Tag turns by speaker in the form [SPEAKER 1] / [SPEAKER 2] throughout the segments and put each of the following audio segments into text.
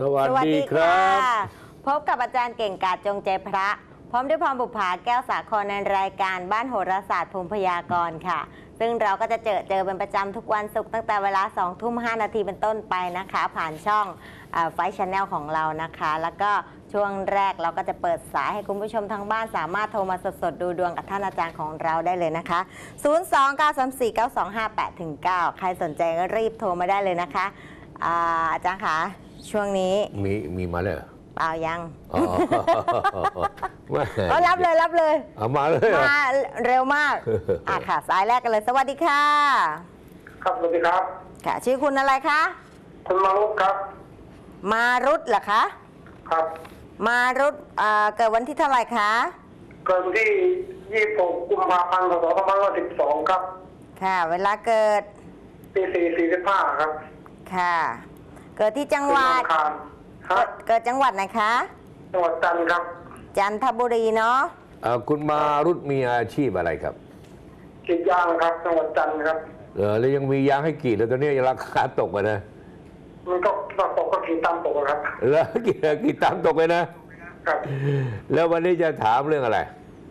[SPEAKER 1] สวัสดีครับ
[SPEAKER 2] พบกับอาจารย์เก่งกาจจงใจพระพร้อมด้วยพรบุภาแก้วสาครในรายการบ้านโหราศาสตร์ภูมิพยากรณ์ค่ะซึ่งเราก็จะเจอเป็นประจำทุกวันศุกร์ตั้งแต่เวลา 20:05 น.เป็นต้นไปนะคะผ่านช่องไฟชแนลของเรานะคะแล้วก็ช่วงแรกเราก็จะเปิดสายให้คุณผู้ชมทางบ้านสามารถโทรมาสดๆดูดวงกับท่านอาจารย์ของเราได้เลยนะคะ 029349258-9 ใครสนใจก็รีบโทรมาได้เลยนะคะอาจารย์คะช่วงนี้
[SPEAKER 1] มีมาเลย
[SPEAKER 2] เปล่ายัง
[SPEAKER 1] ก็
[SPEAKER 2] รับเลย
[SPEAKER 1] เอามาเลย
[SPEAKER 2] มาเร็วมากค่ะสายแรกกันเลยสวัสดีค่ะ
[SPEAKER 3] ครับสวัสดีครับ
[SPEAKER 2] ค่ะชื่อคุณอะไรคะ
[SPEAKER 3] คุณมารุตครับ
[SPEAKER 2] มารุตเหรอคะ
[SPEAKER 3] ครับ
[SPEAKER 2] มารุตเกิดวันที่เท่าไหร่คะ
[SPEAKER 3] เกิดวันที่26 กุมภาพันธ์ 2512ครับ
[SPEAKER 2] ค่ะเวลาเกิด
[SPEAKER 3] ตี 4:45 ครับ
[SPEAKER 2] ค่ะเกิดที่จังหวัดเกิดจังหวัดไหนคะ
[SPEAKER 3] จังหวัดจันทร์ครับ
[SPEAKER 2] จันทบุรีเนาะ
[SPEAKER 1] คุณมารุตมีอาชีพอะไรครับ
[SPEAKER 3] กรีดยางครับจังหวัดจันทร์ครับ
[SPEAKER 1] แล้วยังมียางให้กรีดแล้วตอนนี้ราคาตกนะ
[SPEAKER 3] มันก็ตกก็กรีดตามตกครับ
[SPEAKER 1] แล้วกรีดตามตกเลยนะครับแล้ววันนี้จะถามเรื่องอะไร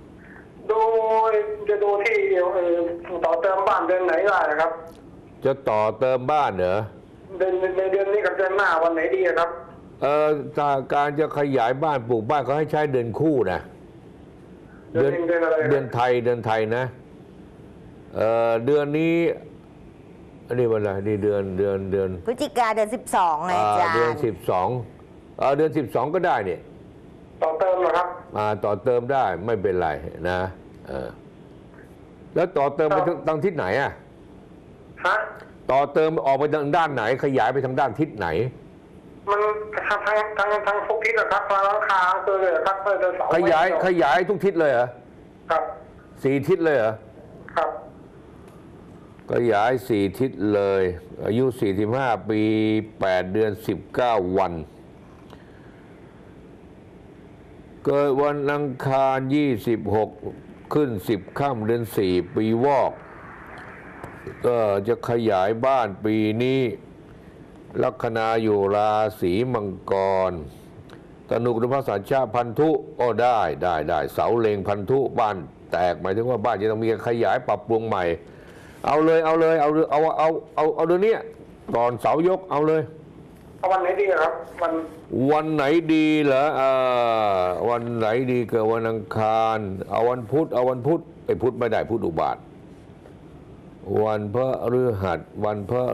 [SPEAKER 3] จะดูที่ต่อเติมบ้านเดือนไหนได้ครับ
[SPEAKER 1] จะต่อเติมบ้านเหรอ
[SPEAKER 3] ในเดือนนี้กับเดือนหน้าวันไหนดีครับ
[SPEAKER 1] การจะขยายบ้านปลูกบ้านเขาให้ใช้เดือนคู่นะเดือนไทยนะเดือนนี้อันนี้วันอะไรนี่เดือน
[SPEAKER 2] พฤศจิกาเดือน12ไงจ้า
[SPEAKER 1] เดือน12เดือน12ก็ได้เนี่ย
[SPEAKER 3] ต่อเติมเหรอครับ
[SPEAKER 1] ต่อเติมได้ไม่เป็นไรนะแล้วต่อเติมไปทางทิศไหนอ่ะต่อเติมออกไปทางด้านไหนขยายไปทางด้านทิศไหน
[SPEAKER 3] มันทางทุกทิศนะครับทางราคาตัวเลยครับ
[SPEAKER 1] ขยายทุกทิศเลยเหรอ
[SPEAKER 3] ครับ
[SPEAKER 1] 4 ทิศเลยเหรอ
[SPEAKER 3] ครับ
[SPEAKER 1] ขยาย4 ทิศเลยอายุ45 ปี8 เดือน 19 วันเกิดวันอังคาร26ขึ้น10 ค่ำเดือน4 ปีวอกก็จะขยายบ้านปีนี้ลัคนาอยู่ราศีมังกรตนุรุภาษาชาพันธุได้เสาเล็งพันธุบ้านแตกหมายถึงว่าบ้านจะต้องมีการขยายปรับปรุงใหม่เอาเดือนนี้ก่อนเสายกเอาเลย
[SPEAKER 3] วันไหนดีครับ
[SPEAKER 1] วันไหนดีเหรอวันไหนดีเกิดวันอังคารเอาวันพุธไอ้พุธไม่ได้พุธอุบาทวันพฤหัสวัน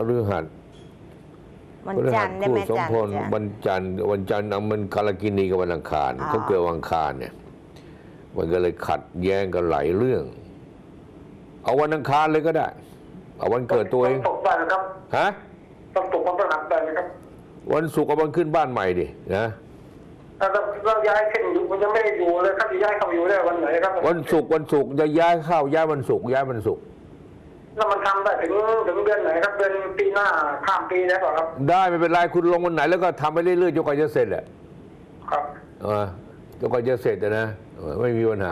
[SPEAKER 2] จันทร์ได้ไหมจันทร์
[SPEAKER 1] วันจันทร์มันกาลกินีกับวันอังคารเขาเกิดวันอังคารเนี่ยมันก็เลยขัดแย้งกันหลายเรื่องเอาวันอังคารเลยก็ได้เอาวันเกิดตัวเอง
[SPEAKER 3] ตกได้นะครับต้องตกวันพฤหัสได้ไหมครับ
[SPEAKER 1] วันศุกร์เอาวันขึ้นบ้านใหม่ดินะ
[SPEAKER 3] เราย้ายขึ้นอยู่มันยังไม่ได้อยู่เลยครับจะย้ายเข้าอยู่ได้วันไหนครับ
[SPEAKER 1] วันศุกร์จะย้ายเข้าย้ายวันศุกร์
[SPEAKER 3] แล้วมันทำได้ถึงเดือนไหนครับเดือนปีหน้าข้ามปีได้ป่ะครับ
[SPEAKER 1] ได้ไม่เป็นไรคุณลงวันไหนแล้วก็ทำไปเรื่อยๆจนกว่าจะเสร็จแหละ
[SPEAKER 3] ครับ
[SPEAKER 1] จนกว่าจะเสร็จนะไม่มีปัญหา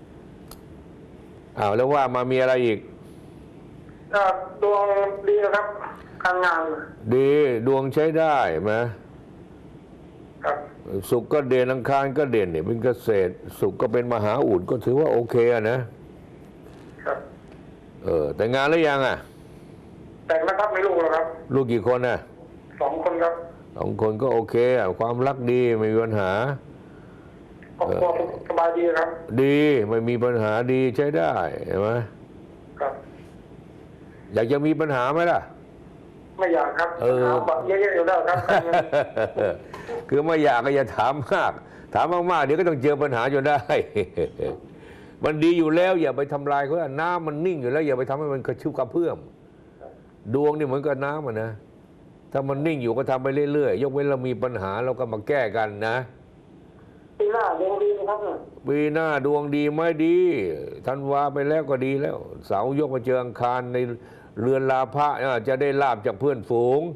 [SPEAKER 1] แล้วว่ามามีอะไรอีก
[SPEAKER 3] ดวงดีนะครับการงาน
[SPEAKER 1] ดีดวงใช้ได้ไหม
[SPEAKER 3] ครับ
[SPEAKER 1] ศุกร์ก็เด่นอังคารก็เด่นเนี่ยเป็นเกษตรศุกร์ก็เป็นมหาอุดก็ถือว่าโอเคนะครับแต่งงานแล้วยัง
[SPEAKER 3] แต่งนะครับไม่ลูกหรอครับ
[SPEAKER 1] ลูกกี่คน
[SPEAKER 3] 2 คนครับ
[SPEAKER 1] 2 คนก็โอเคความรักดีไม่มีปัญหา
[SPEAKER 3] ครอบครัวสบายดีครับ
[SPEAKER 1] ดีไม่มีปัญหาดีใช้ได้เห็นไหม
[SPEAKER 3] ครับ
[SPEAKER 1] อยากจะมีปัญหาไหมล่ะ
[SPEAKER 3] ไม่อยากครับเยอะๆอยู่แล้วครับ
[SPEAKER 1] คือไม่อยากก็อย่าถามมากเดี๋ยวก็ต้องเจอปัญหาจนได้มันดีอยู่แล้วอย่าไปทำลายเขาน้ำมันนิ่งอยู่แล้วอย่าไปทำให้มันกระชุ่มกระเพื่อมดวงนี่เหมือนกับน้ำนะถ้ามันนิ่งอยู่ก็ทำไปเรื่อยๆยกเว้นเรามีปัญหาเราก็มาแก้กันนะ
[SPEAKER 3] ปีหน้าดวงดีนะครับ
[SPEAKER 1] ปีหน้าดวงดีไม่ดีธันวาไปแล้วก็ดีแล้วเสาร์ยกมาเจออังคารในเรือนลาภะจะได้ลาภจากเพื่อนฝูง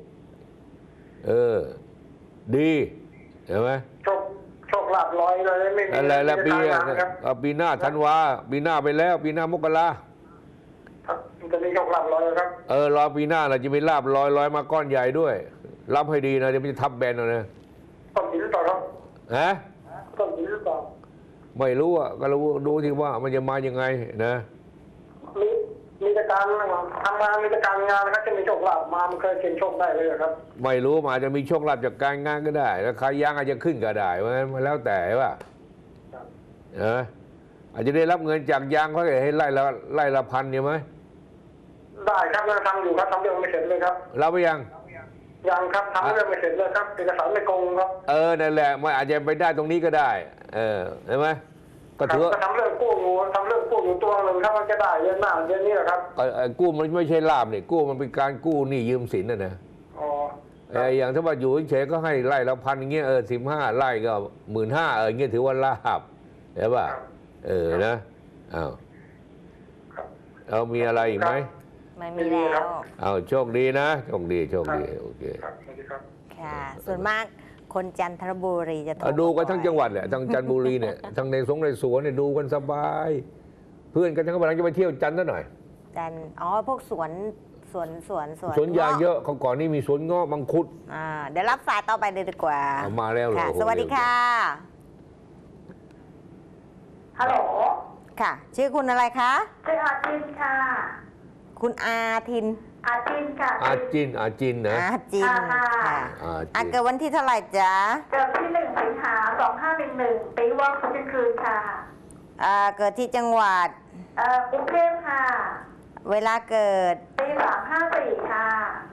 [SPEAKER 1] ดีเห็นไหม
[SPEAKER 3] โชคลาภลอยเลยไม่มี
[SPEAKER 1] อะไรแล้วปีหน้าธันวาปีหน้าไปแล้วปีหน้ามกรา
[SPEAKER 3] จะมีโชคลาภลอยครับ
[SPEAKER 1] รอปีหน้าเราจะมีลาภลอยมาก้อนใหญ่ด้วยรับให้ดีนะเดี๋ยวมันจะทับแบนเอานะ
[SPEAKER 3] ต้นหินหรือเปล่าครับ
[SPEAKER 1] ฮะ
[SPEAKER 3] ต้นหินหรือเปล่า
[SPEAKER 1] ไม่รู้อ่ะก็รู้ดูที่ว่ามันจะมายังไงนะ
[SPEAKER 3] มีแต่การทำงานมีแต่การงานนะครับจะมีโชคลาภมามันเคยเสี่ยงโชคได้เลยครับ
[SPEAKER 1] ไม่รู้มันอาจจะมีโชคลาภจากการงานก็ได้แล้วใครยางอาจจะขึ้นก็ได้เพราะฉะนั้นมันแล้วแต่ว่า
[SPEAKER 3] ครับ
[SPEAKER 1] อาจจะได้รับเงินจากยางเขาให้ไล่ละพันใช่ไหม
[SPEAKER 3] ได้ครับยังทำอยู่ครับทำเรื่องไม่เสร็จเลยครับ
[SPEAKER 1] รับไปยัง
[SPEAKER 3] ยังครับทำเรื่องไม่เสร็จเลยครับเอกสารไม่ตรงครับ
[SPEAKER 1] นั่นแหละมันอาจจะไปได้ตรงนี้ก็ได้เห็นไหมก็
[SPEAKER 3] ครับ
[SPEAKER 1] ถือว่า
[SPEAKER 3] ก็ทำเรื่องกู้อยู่ตัวหนึ่งครับมันจะได้เดือนหน้าเดือนนี้แหละครับ
[SPEAKER 1] กู้มันไม่ใช่ลาบนี่กู้มันเป็นการกู้หนี้ยืมสินนะ
[SPEAKER 3] อ๋อ
[SPEAKER 1] อย่างถ้าว่าอยู่เฉยๆก็ให้ไล่ละพันอย่างเงี้ย15 ไร่ก็15,000อย่างเงี้ยถือว่าลาบเห็นป่ะนะอ้าว
[SPEAKER 3] ครับ
[SPEAKER 1] เอามีอะไรอีกไหม
[SPEAKER 2] ไม่มีแล้ว
[SPEAKER 1] เอาโชคดีนะโชคดีโอเค
[SPEAKER 3] ครับสวัสดีครับ
[SPEAKER 2] ค่ะ ส่วนมากคนจันทบุรีจะโทร
[SPEAKER 1] ดูกันทั้ง
[SPEAKER 2] บ่อย
[SPEAKER 1] จังหวัดแหละทั้งจันทบุรีเนี่ยทั้งในสวนเนี่ยดูกันสบาย เพื่อนกันทั้งกำลังจะไปเที่ยวจันทร์ซะหน่อย
[SPEAKER 2] จันพวกสวน
[SPEAKER 1] ยางเยอะเขาก่อนนี่มีสวนเงาะมังคุด
[SPEAKER 2] เดี๋ยวรับสายต่อไปเลยดีกว่า
[SPEAKER 1] เอามาแล้วเหรอ
[SPEAKER 2] ค่ะ
[SPEAKER 1] โอ้โห
[SPEAKER 2] สวัสดีค่ะ
[SPEAKER 4] ฮัลโหล
[SPEAKER 2] ค่ะ ชื่อคุณอะไรคะ
[SPEAKER 4] ชื่ออาจินค่ะ
[SPEAKER 2] คุณอาทิน
[SPEAKER 4] อาจินค่ะ
[SPEAKER 1] อาจินนะ
[SPEAKER 2] อาจิน
[SPEAKER 4] ค่ะ
[SPEAKER 2] ค่ะ
[SPEAKER 1] อาจิน
[SPEAKER 2] เกิดวันที่เท่าไหร่จ๊ะ
[SPEAKER 4] เกิดที่1 สิงหา 2511 ปีวอกคืนคืนค่ะ
[SPEAKER 2] เกิดที่จังหวัด
[SPEAKER 4] กรุงเทพค่ะ
[SPEAKER 2] เวลาเกิด
[SPEAKER 4] ปี354ค่ะ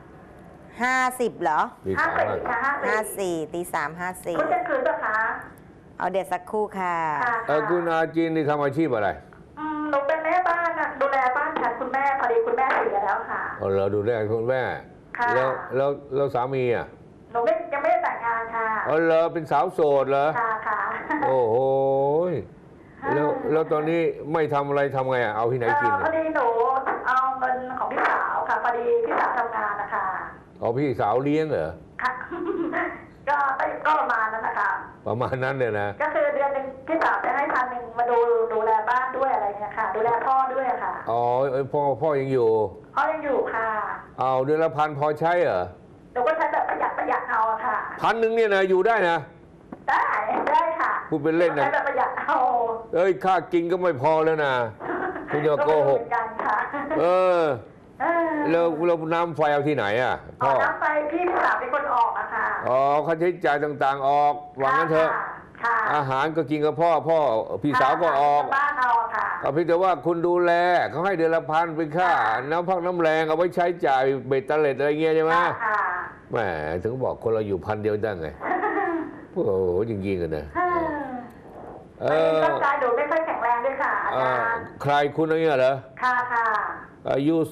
[SPEAKER 2] 50เหรอ
[SPEAKER 1] มีข่าวว่า
[SPEAKER 4] 54ค่ะ54
[SPEAKER 2] 54ตี3
[SPEAKER 4] คุณจะคืนป่ะคะ
[SPEAKER 2] 54เอาเดี๋ยวสักครู่ค่ะ
[SPEAKER 4] ค่ะ
[SPEAKER 1] คุณอาจินนี่ทำอาชีพอะไร
[SPEAKER 4] หนูเป็นแม่บ้านอะดูแลบ้านฉันคุณแม่พอดีคุณแม่เสียแล้วค่ะ
[SPEAKER 1] เราดูแลคุณแม่
[SPEAKER 4] ค่ะ
[SPEAKER 1] แล้วสามีอ่ะ
[SPEAKER 4] หนูยังไม่ได้แต่งงานค่ะ
[SPEAKER 1] เราเป็นสาวโสดเหรอ
[SPEAKER 4] ค่ะค่ะ
[SPEAKER 1] โอ้โหแล้วตอนนี้ไม่ทำอะไรทำไงอ่ะเอาที่ไหนกิน
[SPEAKER 4] พอดีหนูเอาเงินของพี่สาวค่ะพอดีพี่สาวทำงานนะคะ
[SPEAKER 1] เอาพี่สาวเลี้ยงเหรอ
[SPEAKER 4] ค่ะ ก็ประมาณนั้นนะคะ
[SPEAKER 1] ประมาณนั้นเลยนะ
[SPEAKER 4] ก็คือเดือนหนึ่งพี่สาวจะให้1,000มาดูแลบ้านด้วยอะไรเงี้ยค่ะ ดูแลพ่อด้วยค่ะ
[SPEAKER 1] อ๋อพ่อยังอยู่
[SPEAKER 4] พ่อยังอยู่ค่ะ
[SPEAKER 1] เอาเดือนละ1,000พอใช้เหรอ
[SPEAKER 4] หนูก็ใช้แบบประหยัดเอาอะค่ะ
[SPEAKER 1] 1,000เนี่ยนะอยู่ได้นะ
[SPEAKER 4] ได้ค่ะ
[SPEAKER 1] พูดเป็นเล่นนะ
[SPEAKER 4] ใช้แบบประหยัดเอา
[SPEAKER 1] ค่ากินก็ไม่พอแล้วนะคุณจะโกหก
[SPEAKER 4] เหมือนกันค่ะ
[SPEAKER 1] เออ
[SPEAKER 4] เออ
[SPEAKER 1] แล้วน้ำไฟเอาที่ไหนอ่ะ
[SPEAKER 4] เอา
[SPEAKER 1] พ่อ
[SPEAKER 4] น้ำไฟพี่สาวเป็นคนออกอะค่ะ
[SPEAKER 1] อ๋อค่าใช้จ่ายต่างๆออกวางนั้นเถอะ
[SPEAKER 4] ค่ะ
[SPEAKER 1] อาหารก็กินกับพ่อพี่สาวก็ออก
[SPEAKER 4] บ้านเอาอะค่ะ
[SPEAKER 1] เอาเพียงแต่ว่าคุณดูแลเขาให้เดือนละ1,000เป็นค่าน้ำพักน้ำแรงเอาไว้ใช้จ่ายเบ็ดเตล็ดอะไรเงี้ยใช่ไหม
[SPEAKER 4] ค่ะ
[SPEAKER 1] แหมถึงบอกคนเราอยู่1,000เดียวได้ไงโอ้โหจริงๆกันนะเออ
[SPEAKER 4] ร่างกายหนูไม่ค่อยแข็งแรงด้วยค่ะอาจารย์
[SPEAKER 1] ใครคุณอะไรเหรอ
[SPEAKER 4] ค่ะค่ะ
[SPEAKER 1] อายุ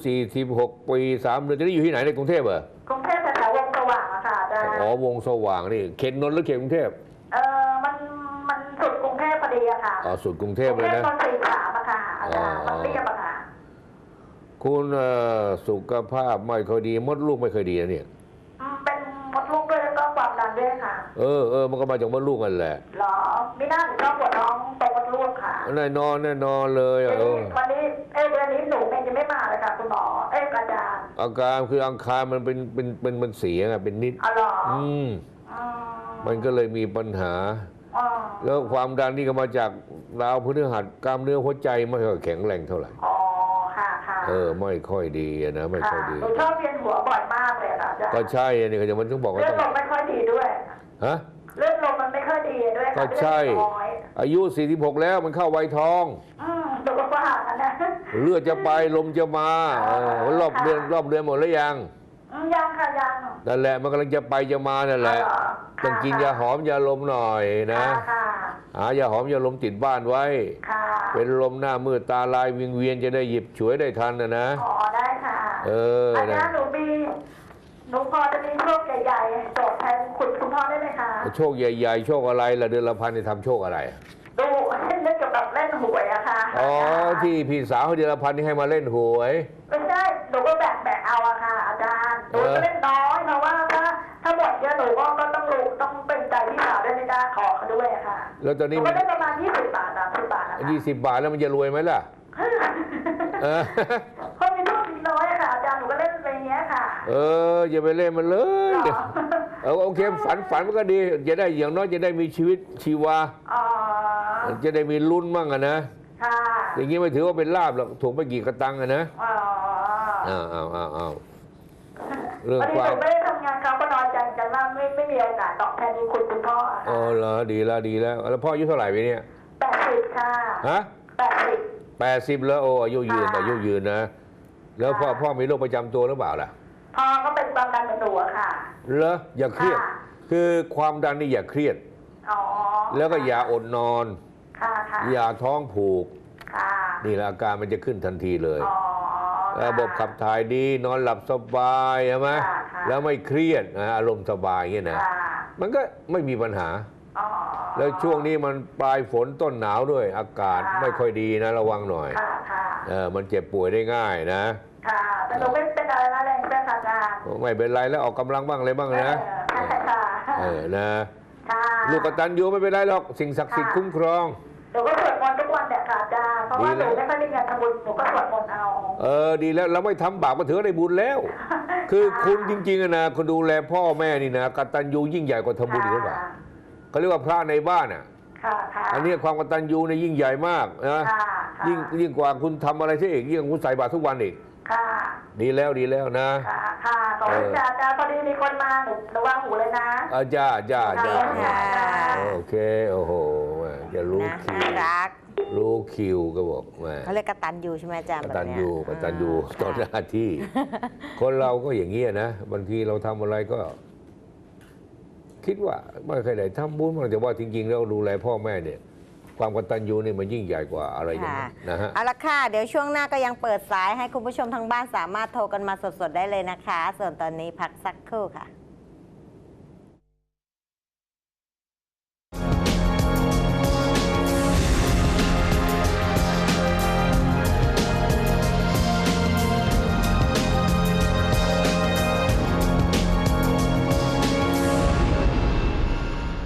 [SPEAKER 1] 46 ปี3 เดือนจะได้อยู่ที่ไหนในกรุงเทพเหรอก
[SPEAKER 4] รุงเทพแถวๆวงสว่างอะค่ะอาจารย์
[SPEAKER 1] อ๋อวงสว่างนี่เขตนนท์หรือเขตกรุงเทพ
[SPEAKER 4] มันสุดกรุงเทพพอดีอะค่ะ
[SPEAKER 1] อ๋อสุดกรุงเทพเลยนะ
[SPEAKER 4] กรุงเทพตอน43อะค่ะอาจารย์มันเรียบอะค่ะ
[SPEAKER 1] คุณสุขภาพไม่ค่อยดีมดลูกไม่ค่อยดีนะเนี่ย
[SPEAKER 4] เป็นมดลูกด้วยแล้วก็ความดันด้วยค่ะ
[SPEAKER 1] มันก็มาจากมดลูกกันแหละ
[SPEAKER 4] หรอไม่น่าหนูชอบปวดท้องตรงมดลูกค่ะ
[SPEAKER 1] แน่นอนเลยอะ
[SPEAKER 4] วันนี้เดือนนี้หนูเองจะไม่มาเลยค่ะคุณหมออาจารย์
[SPEAKER 1] อาการคืออังคารมันเป็นเสียไงเป็นนิด
[SPEAKER 4] อ๋อเหรอ
[SPEAKER 1] มันก็เลยมีปัญหา
[SPEAKER 4] อ๋อ
[SPEAKER 1] แล้วความดันนี่ก็มาจากดาวพฤหัสกล้ามเนื้อหัวใจไม่ค่อยแข็งแรงเท่าไหร่
[SPEAKER 4] อ๋อค่ะค่ะ
[SPEAKER 1] ไม่ค่อยดีนะไม่ค่อยดี
[SPEAKER 4] หนูชอบเวียนหัวบ่อยมากเลยค่ะอาจารย์
[SPEAKER 1] ก็ใช่นี่ก็จะมันต้องบอกว่า
[SPEAKER 4] เลือ
[SPEAKER 1] ต้
[SPEAKER 4] ด
[SPEAKER 1] อง
[SPEAKER 4] ลมไม่ค่อยดีด้วย
[SPEAKER 1] ฮะ
[SPEAKER 4] เลือดลมมันไม่ค่อยดีด้วยค่ะ
[SPEAKER 1] ก็ใช่
[SPEAKER 4] เลือดน้อย
[SPEAKER 1] อายุ46แล้วมันเข้าวัยทอง
[SPEAKER 4] หนูก็ว่ากันนะ
[SPEAKER 1] เลือดจะไปลมจะมารอบเดือนหมดแล้วยัง
[SPEAKER 4] ยังค่ะยัง
[SPEAKER 1] นั่นแหละมันกำลังจะไปจะมานั่นแหละ
[SPEAKER 4] อ๋อเหรอ
[SPEAKER 1] ต้องกินยาหอมยาลมหน่อยนะ
[SPEAKER 4] ค่ะ
[SPEAKER 1] หายาหอมยาลมติดบ้านไว้
[SPEAKER 4] ค่ะ
[SPEAKER 1] เป็นลมหน้ามืดตาลายวิงเวียนจะได้หยิบฉวยได้ทันนะ
[SPEAKER 4] อ๋อได้ค่ะ อา
[SPEAKER 1] นะ
[SPEAKER 4] จารย์หนูพอจะมีโชคใหญ่ๆโจทย์แทนคุณพ่อได้ไหมคะ
[SPEAKER 1] โชคใหญ่ๆโชคอะไรล่ะเดือนละ1,000นี่ทำโชคอะไร
[SPEAKER 4] ดูเล่นเกี่ยวกับเล่นหวยอะค่ะ
[SPEAKER 1] อ๋อที่พี่สาวให้เดือนละ1,000นี่ให้มาเล่นหวย
[SPEAKER 4] ไม่ใช่หนูก็แบ่งเอาอะค่ะ อาจารย์หนูจะเล่นน้อยเพราะว่าถ้าหมดเยอะหนูก็ต้องเป็นใจพี่สาวด้วยไม่ได้ขอเขาด้วยอะค่ะ
[SPEAKER 1] แล้วตอน
[SPEAKER 4] ห
[SPEAKER 1] นี้
[SPEAKER 4] นู
[SPEAKER 1] มั
[SPEAKER 4] ก็
[SPEAKER 1] น
[SPEAKER 4] ได้ประมาณ20 บาท30 บาทนะคะ
[SPEAKER 1] 20 บาทแล้วมันจะรวยไหมล่ะ
[SPEAKER 4] เพราะมีโชคมีน้อยอะค่ะอาจารย์หนูก็เล่นอะไรเงี้ยค่ะ
[SPEAKER 1] อย่าไปเล่นมันเลย
[SPEAKER 4] หรอ
[SPEAKER 1] โอเคฝันมันก็ดีจะได้อย่างน้อยจะได้มีชีวิตชีวา
[SPEAKER 4] อ๋อ
[SPEAKER 1] จะได้มีลุ้นมั่งอะนะ
[SPEAKER 4] ค่ะ
[SPEAKER 1] อย่างนี้ไม่ถือว่าเป็นลาบหรอกถูกไปกี่กระตังอะนะ
[SPEAKER 4] อ๋อ
[SPEAKER 1] อ้าวเรื่อง
[SPEAKER 4] วัน
[SPEAKER 1] ค
[SPEAKER 4] นี้
[SPEAKER 1] วาม
[SPEAKER 4] หนูไม่ได้ทำงานเขาก็น้อยใจกันว่าไม่มีโอกาสตอบแทนคุณพ่อ
[SPEAKER 1] อ๋อเหรอดีแล้วแล้วพ่ออายุเท่าไหร่ไปเนี่ย
[SPEAKER 4] 80 ค่ะ
[SPEAKER 1] ฮะ
[SPEAKER 4] 80
[SPEAKER 1] 80แล้วโอ้อายุยืนนะแล้วพ่อมีโรคประจำตัวหรือเปล่าล่ะ
[SPEAKER 4] พ่อก็เป็นความดันเหมือนหนูอะค่ะ
[SPEAKER 1] เหรออย่าเครียด
[SPEAKER 4] ค่ะ
[SPEAKER 1] คือความดันนี่อย่าเครียด
[SPEAKER 4] อ๋อ
[SPEAKER 1] แล้วก็อย่าอดนอน
[SPEAKER 4] ค่ะค่ะ
[SPEAKER 1] อย่าท้องผูก
[SPEAKER 4] ค่ะ
[SPEAKER 1] นี่แหละอาการมันจะขึ้นทันทีเลย
[SPEAKER 4] อ๋อ
[SPEAKER 1] ระบบขับถ่ายดีนอนหลับสบายใช่ไหม
[SPEAKER 4] ค่ะ
[SPEAKER 1] แล้วไม่เครียดนะอารมณ์สบายอย่างเงี้ยนะ
[SPEAKER 4] ค่ะ
[SPEAKER 1] มันก็ไม่มีปัญหา
[SPEAKER 4] อ๋อ
[SPEAKER 1] แล้วช่วงนี้มันปลายฝนต้นหนาวด้วย อากาศ
[SPEAKER 4] ค่ะ
[SPEAKER 1] ไม่ค่อยดีนะระวังหน่อย
[SPEAKER 4] ค่ะค่ะ
[SPEAKER 1] มันเจ็บป่วยได้ง่ายนะ
[SPEAKER 4] ค่ะแต่หนูไม่เป็นอะไรนะแรงเพื่อนค่ะอาจารย์
[SPEAKER 1] ไม่เป็นไรแล้วออกกำลังบ้างอะไรบ้างนะ
[SPEAKER 4] ค่ะ
[SPEAKER 1] นะ
[SPEAKER 4] ค่ะ
[SPEAKER 1] ลูกกตัญญูไม่เป็นไรหรอกสิ่งศักดิ์สิทธิ์คุ้มครอง
[SPEAKER 4] หนูก็สวดมนต์ทุกวันเนี่ยค่ะอาจารย์เพราะว่าหนูไม่ค่อยมีเงินทำบุญหนูก็สวดมนต์เอา
[SPEAKER 1] ดีแล้วเราไม่ทำบาปก็ถือว่าได้บุญแล้ว คือคุณจริงๆอะนะคุณดูแลพ่อแม่นี่นะกตัญญูยิ่งใหญ่กว่าทำบุญอีกหรือเปล่าเขาเรียกว่าพระในบ้านอ่ะ
[SPEAKER 4] ค่ะค่ะ
[SPEAKER 1] อันนี้ความกตัญญูเนี่ยยิ่งใหญ่มากนะ
[SPEAKER 4] ค่ะ
[SPEAKER 1] ยิ่งกว่าคุณทำอะไรซะอีกยิ่งกว่าคุณใส่บาตรทุกวันอีก
[SPEAKER 4] ค่ะ
[SPEAKER 1] ดีแล้วนะ
[SPEAKER 4] ค่ะค่ะขอบคุณอาจารย์พอดีมีคนมาหนูระวังหูเลยนะ
[SPEAKER 1] จ้า
[SPEAKER 2] ค่ะ
[SPEAKER 1] โอเคโอ้โหแหม่จะรู้
[SPEAKER 2] นะ
[SPEAKER 1] คิว
[SPEAKER 2] น่ารัก
[SPEAKER 1] รู้คิวก็บอกแหม่
[SPEAKER 2] เขาเรียกกตัญญูใช่ไหมอาจารย์
[SPEAKER 1] ก
[SPEAKER 2] แบบ
[SPEAKER 1] ตัญ
[SPEAKER 2] เนี้ย
[SPEAKER 1] ญูกตัญญูต่อหน้าที่ คนเราก็อย่างนี้ยนะบางทีเราทำอะไรก็ คิดว่าไม่เคยได้ทำบุญมันแต่ว่าจริงๆแล้วดูแลพ่อแม่เนี่ย ความกตัญญูนี่มันยิ่งใหญ่กว่าอะไรอย่างนั้นนะฮะ
[SPEAKER 2] เอาละค่ะ เดี๋ยวช่วงหน้าก็ยังเปิดสายให้คุณผู้ชมทางบ้านสามารถโทรกันมาสดๆได้เลยนะคะ ส่วนตอนนี้พักสักครู่ค่ะ